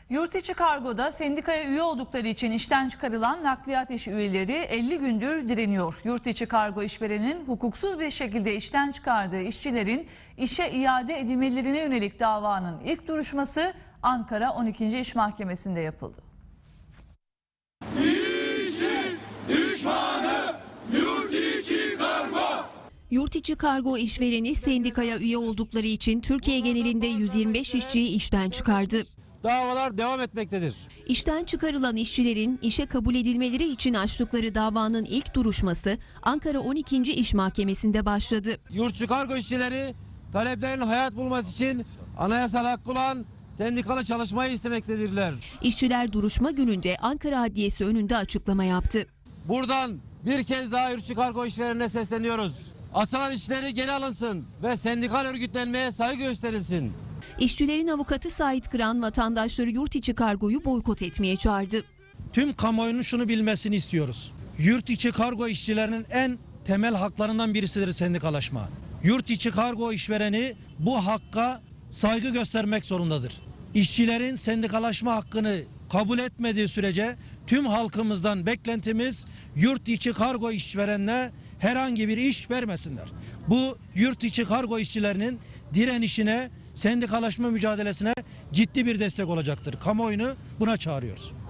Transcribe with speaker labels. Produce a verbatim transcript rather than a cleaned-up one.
Speaker 1: Yurt içi kargoda sendikaya üye oldukları için işten çıkarılan nakliyat iş üyeleri elli gündür direniyor. Yurt içi kargo işverenin hukuksuz bir şekilde işten çıkardığı işçilerin işe iade edilmelerine yönelik davanın ilk duruşması Ankara on ikinci İş Mahkemesi'nde yapıldı.
Speaker 2: İşçi düşmanı yurt içi kargo.
Speaker 3: Yurt içi kargo işvereni sendikaya üye oldukları için Türkiye genelinde yüz yirmi beş işçiyi işten çıkardı.
Speaker 4: Davalar devam etmektedir.
Speaker 3: İşten çıkarılan işçilerin işe kabul edilmeleri için açtıkları davanın ilk duruşması Ankara on ikinci İş Mahkemesi'nde başladı.
Speaker 4: Yurtçı kargo işçileri taleplerin hayat bulması için anayasal hakkı olan sendikalı çalışmayı istemektedirler.
Speaker 3: İşçiler duruşma gününde Ankara Adliyesi önünde açıklama yaptı.
Speaker 4: Buradan bir kez daha yurtçı kargo işverenine sesleniyoruz. Atılan işleri geri alınsın ve sendikal örgütlenmeye saygı gösterilsin.
Speaker 3: İşçilerin avukatı Sait Kıran vatandaşları yurt içi kargoyu boykot etmeye çağırdı.
Speaker 5: Tüm kamuoyunun şunu bilmesini istiyoruz. Yurt içi kargo işçilerinin en temel haklarından birisidir sendikalaşma. Yurt içi kargo işvereni bu hakka saygı göstermek zorundadır. İşçilerin sendikalaşma hakkını kabul etmediği sürece tüm halkımızdan beklentimiz yurt içi kargo işverenine herhangi bir iş vermesinler. Bu yurt içi kargo işçilerinin direnişine, sendikalaşma mücadelesine ciddi bir destek olacaktır. Kamuoyunu buna çağırıyoruz.